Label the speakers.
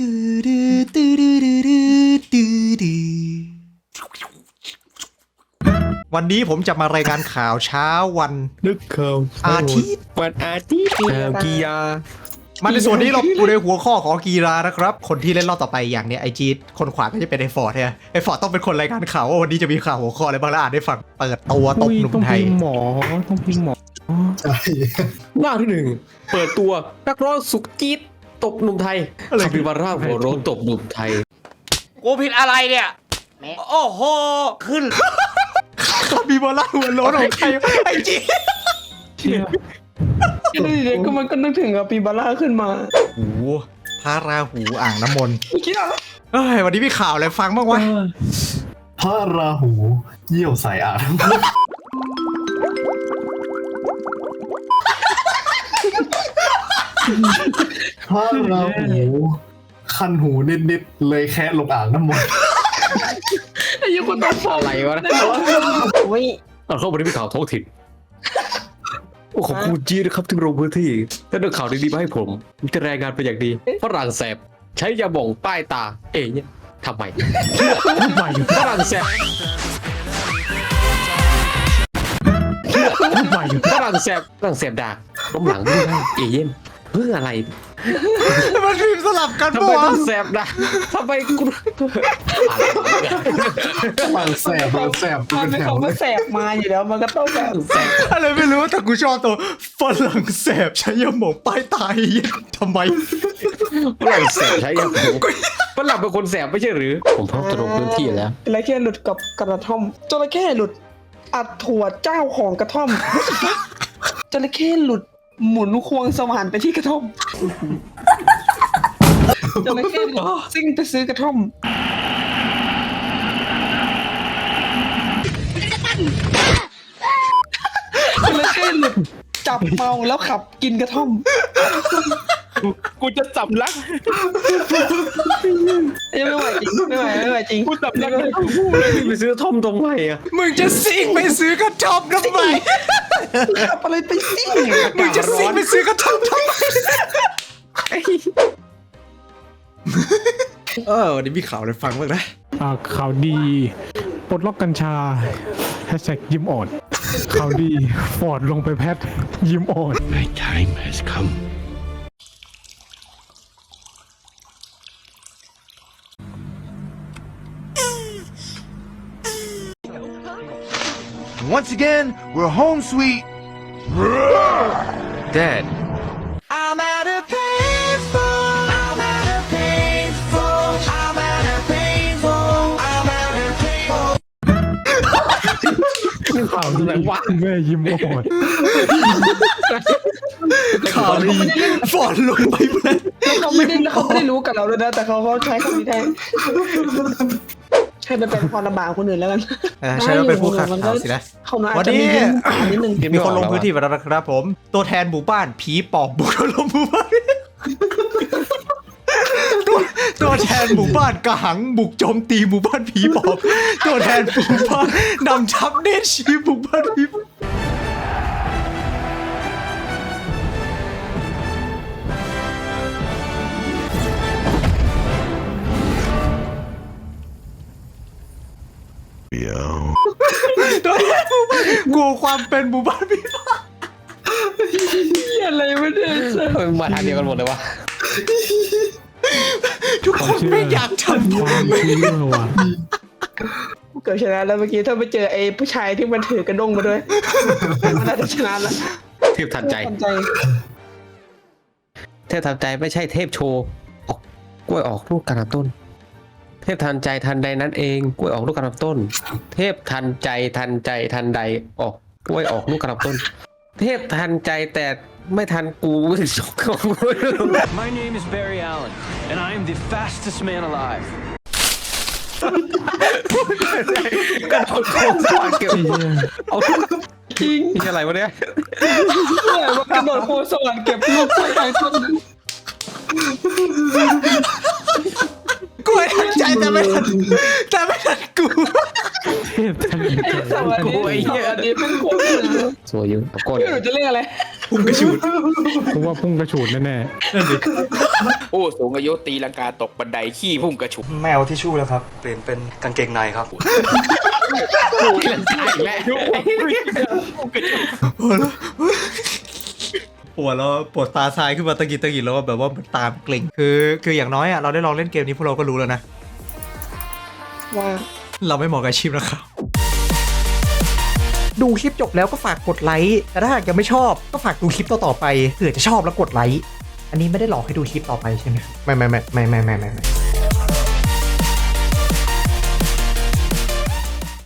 Speaker 1: วันนี้ผมจะมารายงานข่าวเช้าวัน
Speaker 2: นึกเขา
Speaker 1: อาทิตย์
Speaker 2: วันอาทิตย์กีฬา
Speaker 1: มาในส่วนนี้เราอยู่ในหัวข้อของกีฬานะครับคนที่เล่นรอบต่อไปอย่างเนี้ยไอจีคนขวาก็จะเป็นไอฟอร์ดเนี่ยไอฟอร์ดต้องเป็นคนรายงานข่าวว่าวันนี้จะมีข่าวหัวข้ออะไรบ้างแล้วอ่านได้ฟังเปิดตัวตบหนุ่มไทย
Speaker 2: ต้องพิมพ์หมอใช่หน้าที่หนึ่งเปิดตัวนักร้องสุกจี๊ดตบหนุ่มไทยคาปิบาร่าหัวโรนตบหนุ่มไทย
Speaker 3: กูผิดอะไรเนี่ยโอ้โหขึ้น
Speaker 1: คาปิบาร่าหัวโล้นของใครไอจี
Speaker 4: ก็มันก็นึกถึงกับปีบาร่าขึ้นมา
Speaker 1: โอ้พระราหูอ่างน้ำมนต์เอ้ยวันนี้มีข่าวอะไรฟังบ้างวะ
Speaker 5: พระราหูเยี่ยวใส่อ่างพระราหูคันหูนิดๆเลยแค่ลงอ่างน้ำมนต์
Speaker 4: ไอ้ยังคนตัด
Speaker 2: อะไรวะนะเข้ามาที่ข่าวท้องถิ่นโอ้ขอบคุณจีนะครับที่ลงพื้นที่ถ้าเรื่องข่าวดีๆมาให้ผมจะรายงานเป็นอย่างดีฝรั่งแสบใช้ยาบ่องป้ายตาเนี่ยทำไมฝรั่งแสบฝรั่งแสบด่าล้มหลังไม่ได้เย็นเพื่ออะไร
Speaker 1: มันพิมพ์สลับกัน
Speaker 2: ทำไมต้องแสบนะทำไมกู
Speaker 5: มันแสบ
Speaker 4: มันเป็นของมันแสบมาอยู่แล้วมันก็ต้องแบบ
Speaker 1: แสบอะไรไม่รู้แต่กูชอบตัวฝรั่งแสบใช้ยาหมองป้ายตายทำไม
Speaker 2: ฝรั่งแสบใช้ยาหมองฝรั่งเป็นคนแสบไม่ใช่หรือผมพร้อมจะลงพื้นที่แล้ว
Speaker 4: จระเข้หลุดกับกระท่อมจระเข้หลุดอัดถั่วเจ้าของกระท่อมจระเข้หลุดหมุนควงสว่านไปที่กระท่อมจระเข้ซิ่งไปซื้อกระท่อมจระเข้หลุดจับเมาแล้วขับกินกระท่อม
Speaker 2: กูจะจับลัก
Speaker 4: ยังไม่ไหวจริงไม่ไหวจริง
Speaker 2: กูจับลักเลยไปซื้อท่อมตรงไหนอ่ะ
Speaker 1: มึงจะซิ่งไปซื้อกระท่อมทำไม
Speaker 4: ขับอะไรไปซิ่ง
Speaker 1: มึงจะซิ่งไปซื้อกระท่อมทำไมวันนี้มีข่าวอะไรฟังบ้างนะ
Speaker 6: ข่าวดีปลดล็อกกัญชา#ยิ้มอ่อนข่าวดีฟอร์ดลงไปแพทยิ้มอ่อน
Speaker 7: My time has come
Speaker 8: Once again, we're home sweet.
Speaker 7: Dad
Speaker 3: I'm at a painful I'm at a painful I'm at a painful I'm at a painful
Speaker 6: ข่าวดีแม่ยิ้มอ่อน
Speaker 1: ข่าวดีฟอร์ดลงไปแพท
Speaker 4: เขาไม่ได้รู้กับเราด้วยนะแต่เขาใช้คำนี้แทนใช่เป็นความลำบากคนอื่นแล้วกัน
Speaker 1: ใช่แล้วเป็นผู้ข่าวสินะวันนี้มีคนลงพื้นที่มาแล้วนะครับผมตัวแทนหมู่บ้านผีปอบบุกลงหมู่บ้านตัวแทนหมู่บ้านกระหังบุกโจมตีหมู่บ้านผีปอบตัวแทนหมู่บ้านนำทัพเนตรชีหมู่บ้านผีตัวแทนหมู่บ้านกลัวความเป็นหมู่บ้านผีปอบ
Speaker 4: อะไรไม่ได้
Speaker 2: มาทางเดียวกันหมดเลยวะ
Speaker 1: ทุกคนไม่อยากทำ
Speaker 6: ความเชื่อว่ะ
Speaker 4: เกิดชนะแล้วเมื่อกี้ถ้าไปเจอไอ้ผู้ชายที่มันถือกระด้งมาด้วยมันน่าจะชนะแล้ว
Speaker 2: เทพทันใจเทพทันใจไม่ใช่เทพโชว์กล้วยออกลูกกระต้นเทพทันใจทันใดนั้นเองกล้วยออกลูกกระต้นเทพทันใจทันใดออกกล้วยออกลูกกระต้นเทพทันใจแต่ไม่ทันกู
Speaker 7: My name is Barry Allen and I am the fastest man alive
Speaker 2: กระโดดโค้งสวรรค์เก็บเอาจริงนี่อะไรวะเนี่ย
Speaker 4: ว่ากระโดดโค้งสวรรค์เก็บลูกกล้วยไปต้นนึง
Speaker 1: กล้วยทันใจแต่ไม่ทันกู
Speaker 6: เทพทันใจ
Speaker 4: กูไอ้เหี้ยอันนี้เป็นโค้ง
Speaker 2: สวยอยู่ก้น
Speaker 4: หนูจะเรียกอะไร
Speaker 1: พุ่งกระฉูด
Speaker 6: เพราะว่าพุ่งกระฉูดแน่
Speaker 1: นั่นดิ
Speaker 9: ผู้สูงอายุตีลังกาตกบันไดขี้พุ่งกระฉุก
Speaker 10: ไม่เอาทิชชู่แล้วครับ เปลี่ยนเป็นกางเกงในครับ
Speaker 1: ปวดแล้วปวดตาซ้ายขึ้นมาตะกิดแล้วแบบว่าตามเกร็งคืออย่างน้อยอ่ะเราได้ลองเล่นเกมนี้พวกเราก็รู้แล้วนะ
Speaker 4: ว่า
Speaker 1: เราไม่เหมาะกับอาชีพนะครับ ดูคลิปจบแล้วก็ฝากกดไลค์แต่ถ้าหากยังไม่ชอบก็ฝากดูคลิปต่อไปเผื่อจะชอบแล้วกดไลค์อันนี้ไม่ได้หลอกให้ดูคลิปต่อไปใช่ไหมไม่